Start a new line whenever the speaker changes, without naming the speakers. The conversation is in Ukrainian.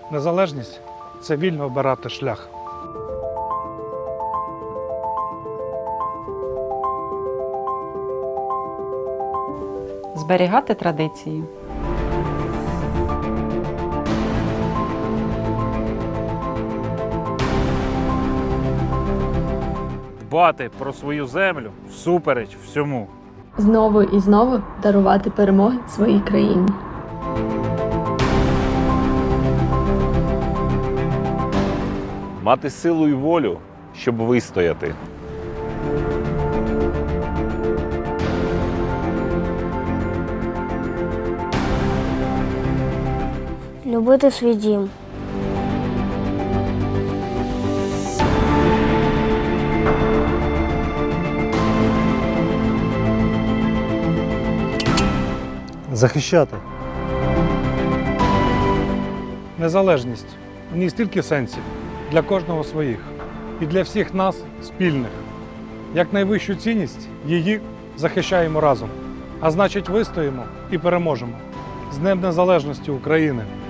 Незалежність – це вільно обирати шлях.
Зберігати традиції.
Дбати про свою землю всупереч всьому.
Знову і знову дарувати перемоги своїй країні.
Мати силу і волю, щоб вистояти.
Любити свій дім.
Захищати. Незалежність. У ній стільки сенсів. Для кожного своїх. І для всіх нас спільних. Як найвищу цінність її захищаємо разом. А значить, вистоїмо і переможемо. З Днем Незалежності України!